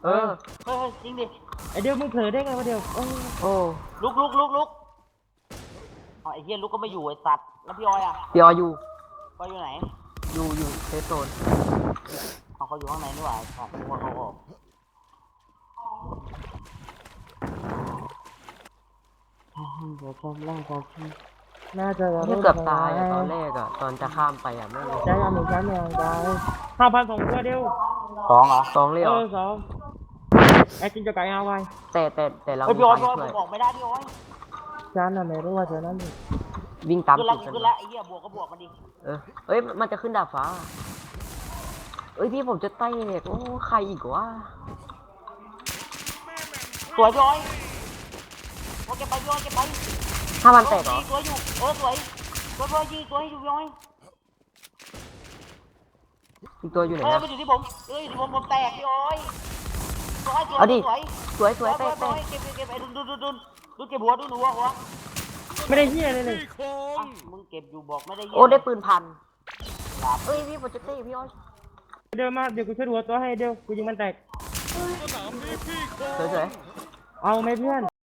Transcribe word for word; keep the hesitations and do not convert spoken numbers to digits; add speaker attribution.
Speaker 1: เออ
Speaker 2: เฮ้ยจริงดิ
Speaker 3: ไอเดียวมึงเผลอได้ไงวะเดียวโอ้
Speaker 1: โอ้
Speaker 2: ลุกลุกลุกลุกอ๋อไอ้เหี้ยลุกก็ไม่อยู่ไอ้สัตว์แล้วพี่ออยอ่ะ
Speaker 1: พี่อออยู่
Speaker 2: ก็อยู่ไหน
Speaker 1: อยู่อยู่เซฟโซน
Speaker 2: เอาเขาอยู่ข้างในนี่หว่าอ๋อหัวเขาออกเดี๋ยวชมร่างกายที่
Speaker 3: น่าจะ
Speaker 1: นี่เกือบตายอะตอนแรกอะตอนจะข้ามไปอะไม่เลย
Speaker 3: ได้ยังหนึ่งชั้นยังได้ห้าพันสองตัวเดียว
Speaker 2: สองเหรอ
Speaker 1: สองเลยเห
Speaker 3: เอ
Speaker 1: รอ
Speaker 3: อสองไอจินจะไก่เอาไว้
Speaker 1: แต่แต่แต่เรา
Speaker 2: เฮ้ย
Speaker 1: มี
Speaker 2: พี่ออย
Speaker 1: ทา
Speaker 2: พี่ออย
Speaker 1: ง
Speaker 2: ผ
Speaker 1: ช่วย
Speaker 2: มบอกไม่ได้พี่ออย
Speaker 3: ชั้นน่ะไม่รู้ว่าชั้นนั้น
Speaker 1: วิ่งตาม
Speaker 2: ขึ้นแล้
Speaker 1: จุ
Speaker 2: ว
Speaker 1: ด
Speaker 2: ขึ้น
Speaker 1: กั
Speaker 2: แล้ว
Speaker 1: น
Speaker 2: ไอ้เหี้ยบวกก็บวกมันดิ
Speaker 1: เออเอ้ยมันจะขึ้นดาดฟ้าเอ้ยพี่ผมจะเตะโอ้ใครอีกวะ
Speaker 2: สวยพี่ออยโอเคไปพี่ออยเก็บไป
Speaker 1: ห้าพันแตกเหรอ
Speaker 2: สวยอยู่เออสวยสวยพี่ออยยิงสวยอยู่พี่ออย
Speaker 1: อีกตัวอยู่ไหน
Speaker 2: เออ
Speaker 1: นะ
Speaker 2: มันอยู่ที่ผมเอออยู่ที่ผมผมแตกพี่ออยสวยสวย
Speaker 1: เอาดิ
Speaker 2: สวย
Speaker 1: สวยส
Speaker 2: ส
Speaker 1: ว
Speaker 2: วย ย
Speaker 1: แตก
Speaker 2: ส
Speaker 1: แต
Speaker 2: วย
Speaker 1: ก
Speaker 2: เก็บเก็บไอ้ดุนดุนดุนดุนดุนเก็บหัวดุนหัวหัว
Speaker 3: ไม่ได้เฮียเลยเลย
Speaker 2: อ่ะมึงเก็บอยู่บอกไม่ได้เหี้ย
Speaker 1: โอ้ได้ปืนพัน
Speaker 2: หลับ
Speaker 1: เอ้ยพี่ผมจะเตะพี่อ้อย
Speaker 3: เดี๋ยวมาเดี๋ยวกูช่วยดูตัวให้เดี๋ยวกูยิงมันแตก
Speaker 1: สวยๆ
Speaker 3: เอาไหมเพื่อน